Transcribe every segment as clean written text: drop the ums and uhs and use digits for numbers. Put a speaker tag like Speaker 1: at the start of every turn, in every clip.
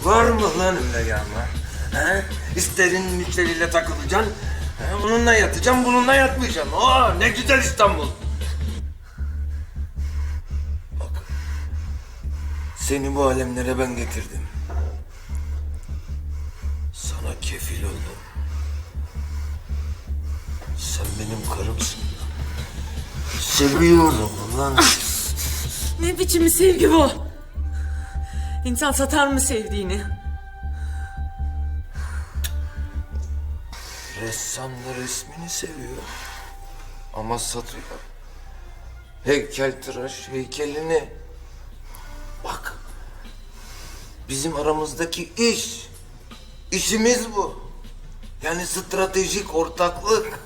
Speaker 1: Var mı lan öyle yağma? He? İsterin müşteriyle takılacaksın. He? Bununla yatacaksın, bununla yatmayacaksın. Aa, ne güzel İstanbul. Bak. Seni bu alemlere ben getirdim. Sana kefil oldum. Sen benim karımsın. Seviyorum lan.
Speaker 2: Ne biçim bir sevgi bu? İnsan satar mı sevdiğini?
Speaker 1: Ressam da resmini seviyor. Ama satıyor. Heykeltıraş heykelini. Bak. Bizim aramızdaki iş. İşimiz bu. Yani stratejik ortaklık.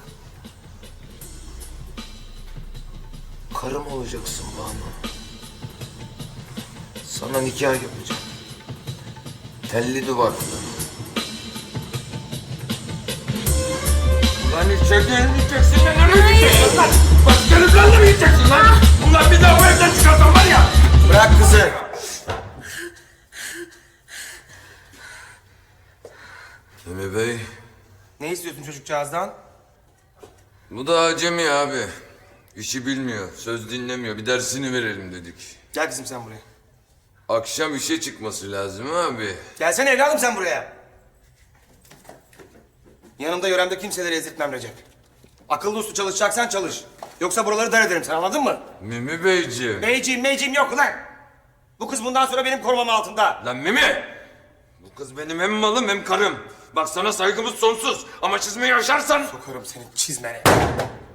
Speaker 1: Karım olacaksın Banu. Sana nikah yapacağım. Telli duvaklı. Ulan içeride elmeyeceksin de nereye gideceksin lan? Başka heriflerle mi gideceksin lan? Ulan bir daha bu evden çıkarsan var ya. Bırak kızı.
Speaker 3: Emi Bey,
Speaker 1: Ne istiyorsun çocukcağızdan?
Speaker 3: bu da acemi abi. İşi bilmiyor, söz dinlemiyor. Bir dersini verelim dedik.
Speaker 1: Gel kızım sen buraya.
Speaker 3: Akşam işe çıkması lazım abi.
Speaker 1: Gelsene evladım sen buraya. Yanımda yöremde kimseleri ezdirtmem Recep. Akıllı uslu çalışacaksan çalış. Yoksa buraları dar ederim sen, anladın mı?
Speaker 3: Mimi Beyciğim.
Speaker 1: Meyciğim yok ulan. Bu kız bundan sonra benim korumam altında.
Speaker 3: Lan Mimi! Bu kız benim hem malım hem karım. Bak sana saygımız sonsuz. Ama çizmeyi aşarsan...
Speaker 1: Sokarım senin çizmene.